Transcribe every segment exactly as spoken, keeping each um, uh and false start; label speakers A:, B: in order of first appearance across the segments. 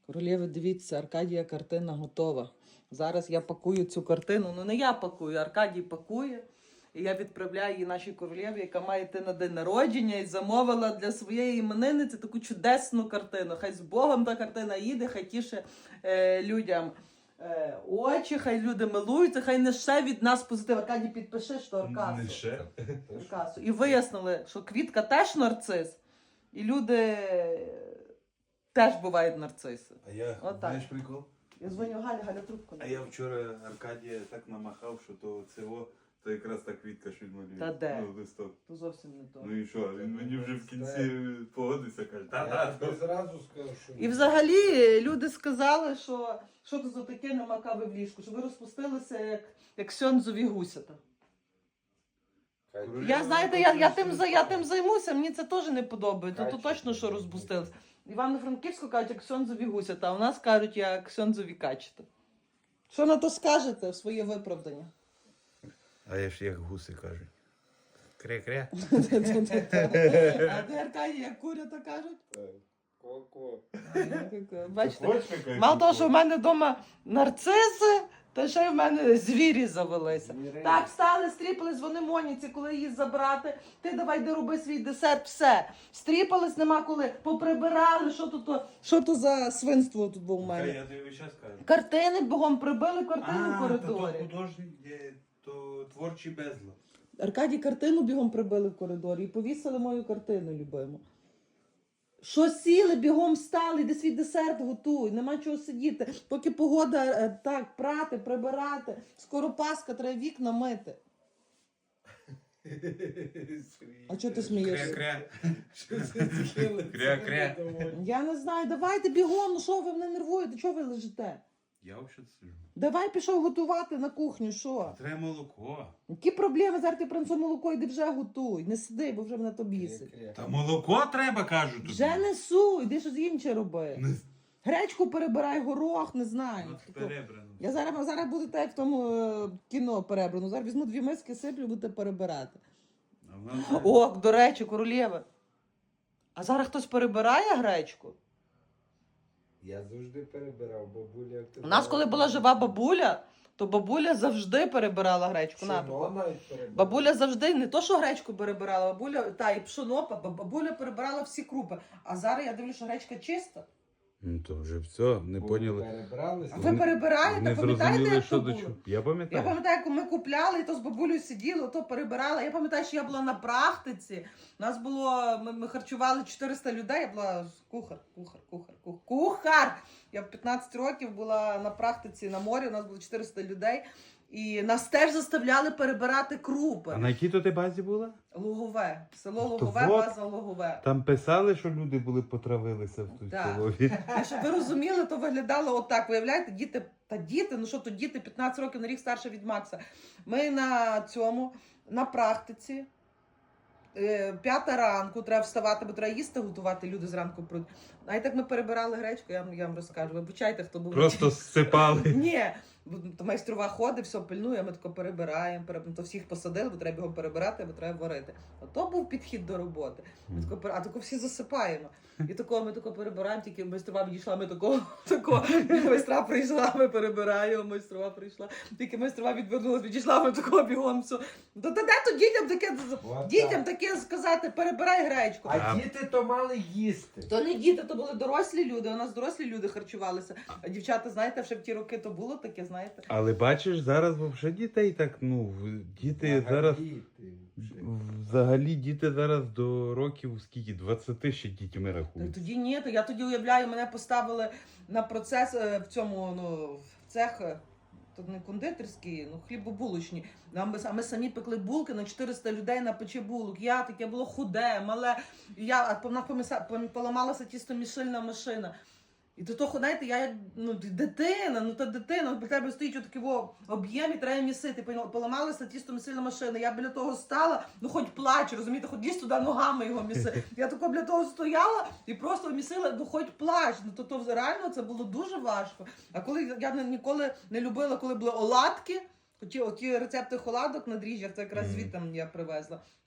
A: Королєви, дивіться, Аркадія картина готова. Зараз я пакую цю картину. Ну не я пакую, Аркадій пакує. І я відправляю її нашій королєві, яка має йти на день народження, і замовила для своєї іменинниці таку чудесну картину. Хай з Богом та картина їде, хай тіше е, людям е, очі, хай люди милуються, хай не ще від нас позитив. Аркадій, підпиши, що Аркасу.
B: Не ще.
A: Аркасу. І вияснили, що квітка теж нарцис, і люди теж бувають нарциси.
B: А я,
A: Отак.
B: знаєш прикол?
A: Я дзвоню Галя, Галя трубку.
B: А я вчора Аркадія так намахав, що то цього, то якраз та квітка, що він малює.
A: Та де?
B: Ну, листок.
A: То зовсім не то.
B: Ну і що, він мені вже в кінці погодився, каже, та-та.
C: Я зразу скажу, що...
A: І взагалі люди сказали, що що то за таке намакаве в ліжку, що ви розпустилися як, як сьонзові гусята. Я, знаєте, я, я, тим, за- я тим займуся, мені це теж не подобається, то точно, що розпустилися. Івано-Франківську кажуть, як сьонзові гусята, а у нас кажуть, як сьонзові качета. Що на то скажете в своє виправдання?
B: А я ж як гуси кажуть. Кря-кря.
A: А де Аркадій, як курята кажуть?
C: Ко-ко.
A: Бачите, мало того, що в мене вдома нарциси, то ще й в мене звірі завелися. Так, встали, стріпались, вони Моніці, коли її забрати. Ти давай, де роби свій десерт, все. Стріпались, нема коли. Поприбирали, що тут, що то за свинство тут було в мене.
B: Я тобі весь час кажу.
A: Картини бігом прибили, картини в
B: А, то, то
A: коридорі.
B: художник, є, то творчий безлад.
A: Аркадій картину бігом прибили в коридорі і повісили мою картину любиму. Що сіли, бігом встали, де свій десерт готуй, нема чого сидіти. Поки погода е, так, прати, прибирати. Скоро Пасха, треба вікна мити. А чого ти смієшся?
B: Кря-кря.
C: Кря-кря.
A: Я не знаю, давайте бігом, ну що ви мене нервуєте, чого ви лежите?
B: Я взагалі сижу.
A: Давай пішов готувати на кухню, що?
B: Треба молоко.
A: Які проблеми, зараз ти принесу молоко, іди вже готуй. Не сиди, бо вже мене то бісить.
B: Та молоко треба, кажу тобі.
A: Вже несу, іди щось інше роби.
B: Не-
A: Гречку перебирай, горох, не знаю.
B: От перебрано.
A: Я зараз, зараз буду так як в тому е, кіно перебрано. Зараз візьму дві миски, сиплю, будете перебирати.
B: А в нас-
A: О, до речі, королєва. А зараз хтось перебирає гречку?
C: Я завжди перебирав, бабуля... як ти
A: У нас, коли була жива бабуля, то бабуля завжди перебирала гречку. На,
C: Пшено
A: тако.
C: навіть перебирав.
A: Бабуля завжди не то, що гречку перебирала, бабуля, та і пшоно, ба- бабуля перебирала всі крупи. А зараз я дивлюся, що гречка чиста.
B: Ну то вже все, не
C: Бо
B: поняли.
C: перебралися.
A: А ви перебираєте?
B: Не
A: Пам'ятаєте,
B: зрозуміли,
A: як
B: що
A: то
B: до
A: було?
B: чого. Я
A: Я
B: пам'ятаю.
A: пам'ятаю, як ми купляли, і то з бабулею сиділи, то перебирала. Я пам'ятаю, що я була на практиці. У нас було, ми, ми харчували чотириста людей, я була кухар, кухар, кухар, кухар, кухар. Я в п'ятнадцять років була на практиці на морі, у нас було чотириста людей. І нас теж заставляли перебирати крупи.
B: А на якій то ти базі була?
A: Лугове. Село
B: То
A: Лугове,
B: вот.
A: база Лугове.
B: Там писали, що люди були потравилися в той
A: Так.
B: столові.
A: І щоб ви розуміли, то виглядало отак. Виявляєте, діти, та діти, ну що то діти, п'ятнадцять років на рік старше від Макса. Ми на цьому, на практиці, е, п'ята ранку, треба вставати, бо треба їсти готувати, люди зранку пруть. А і так ми перебирали гречку, я вам, я вам розкажу. Вибачайте, хто був.
B: Просто зсипали.
A: Ні, бо то майстрова ходить, все пильнує, ми тако перебираємо, переб... то всіх посадили, бо треба його перебирати, бо треба варити. Ото був підхід до роботи. Ми тако, пер- а тако всі засипаємо. І тако ми тако перебираємо, тільки майстрова відійшла, ми тако, тако, майстра прийшла, ми перебираємо, майстрова прийшла. Тільки майстрова відвернулася, відійшла, ми тако бігом все. То де то дітям таке,
C: От
A: дітям
C: так.
A: таке сказати, перебирай гречку.
C: А діти то мали їсти.
A: То не діти, то були дорослі люди, у нас дорослі люди харчувалися. А дівчата, знаєте, ще в ті роки то було таке, знаєте.
B: Але бачиш, зараз взагалі дітей так, ну, в- діти
C: Ага,
B: зараз,
C: діти вже.
B: взагалі діти зараз до років скільки, двадцяти ще дітьми
A: Та
B: рахують.
A: тоді ні, то я тоді уявляю, мене поставили на процес е, в цьому, ну, в цех, е, тут не кондитерський, ну, хлібобулочні. А ми, а ми самі пекли булки на чотириста людей на печі булок. Я таке було худе, мале. І я, а вона помиса- пом- поламалася тістомішильна машина. І до того, знаєте, я як ну, дитина, ну та дитина, біля тебе стоїть отакий во об'єм і треба місити. Пон- Поламалася тістомісильна машина. Я біля того стала, ну хоч плач, розумієте, хоч лізь туди ногами його міси. Я тако біля того стояла і просто місила, ну хоч плач. Ну то, то реально це було дуже важко. А коли я не- ніколи не любила, коли були оладки, оті, оті рецепти оладок на дріжджах, це якраз
B: Мгм.
A: звідти я привезла.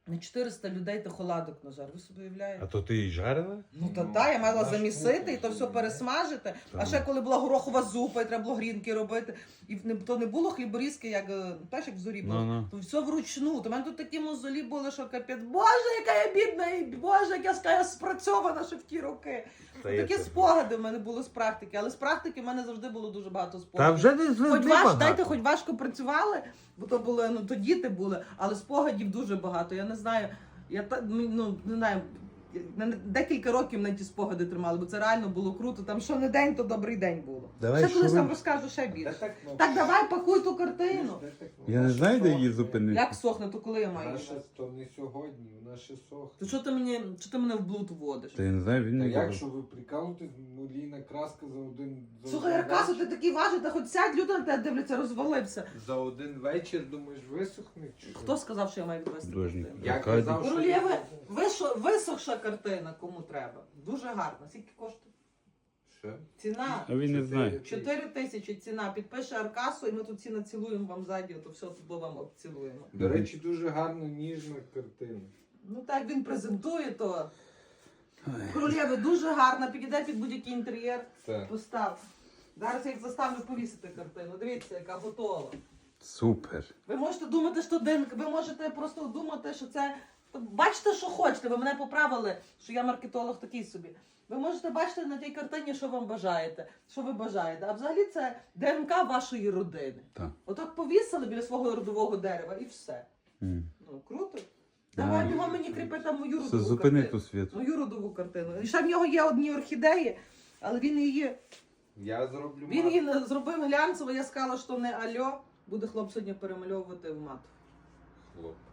A: На чотириста людей ти холадок нажар. Ви собі уявляєте?
D: А то ти її жарила?
A: Ну та
B: Ну,
A: та, я мала
C: наш
A: замісити
C: кухар
A: і то все
C: собі,
A: пересмажити. А
D: Так.
A: ще коли була горохова зупа, і треба було грінки робити. І не- то не було хліборізки, як е, теж як в зорі було.
D: Ну-ну.
A: То все вручну. То в мене тут такі мозолі були, що капець. Боже, яка я бідна, і Боже, як я ска- я спрацьована ще в ті роки.
D: Та є
A: Такі
D: це.
A: спогади в мене були з практики, але з практики в мене завжди було дуже багато
D: Та
A: спогадів.
D: вже не
A: Хоч
D: звезли
A: ваш,
D: багато.
A: дайте, хоч важко працювали, бо то були, ну то діти були, але спогадів дуже багато. Я не знаю, я та ну не знаю. Мене декілька років на ті спогади тримали, бо це реально було круто. Там що не день, то добрий день було.
D: Давай,
A: ще колись
D: що
A: вам
D: ви-
A: розкажу ще
C: Де
A: більше.
C: та кнопка?
A: Так давай пакуй ту картину.
C: Де та кнопка?
D: Я не знаю, де її
C: Сохне.
D: зупинити.
A: Як сохне, то коли я маю?
C: Вона
A: її?
C: ще то не сьогодні, вона ще сохне.
A: То що ти мені, що ти мене в блуд вводиш?
D: Та я не знаю, він
C: Та
D: не
C: як,
D: буде.
C: що ви прикалуєтесь, ну Ліна краска за один за
A: Слухай,
C: один
A: Аркасу, ти
C: вечір.
A: такий важий, та хоч сядь, люди на тебе дивляться, розвалився.
C: За один вечір, думаєш, висохне? чи що?
A: Хто сказав, що я маю відвести
D: Художник.
A: картину?
C: Я
D: Аркадій.
C: казав, що...
A: Королєви, вишо- висохша картина, кому треба. Дуже гарна. Скільки коштує?
C: Що?
A: Ціна.
D: А він не знає.
A: Чотири тисячі ціна. Підпише Аркасу, і ми тут всі націлуємо вам ззаді, то все тут вам обцілуємо.
C: До речі, дуже гарно ніжна картина.
A: Ну так він презентує, то королєви дуже гарна, підійде під будь-який інтер'єр.
C: Так.
A: Постав. Зараз я їх заставлю повісити картину. Дивіться, яка готова.
D: Супер.
A: Ви можете думати, що дин, ви можете просто думати, що це. Бачите, що хочете. Ви мене поправили, що я маркетолог такий собі. Ви можете бачити на тій картині, що вам бажаєте, що ви бажаєте. А взагалі це ДНК вашої родини.
D: Так.
A: Отак повісили біля свого родового дерева і все.
D: М.
A: Ну круто.
D: Да.
A: Давай його мені кріпи там мою
D: Все,
A: родову
D: зупини
A: картину.
D: ту світу.
A: Мою родову картину. І ще в нього є одні орхідеї, але він її.
C: Я зроблю
A: Він
C: мат.
A: її не- зробив глянцево, я сказала, що не альо. Буде хлоп сьогодні перемальовувати в мат.
C: Хлоп.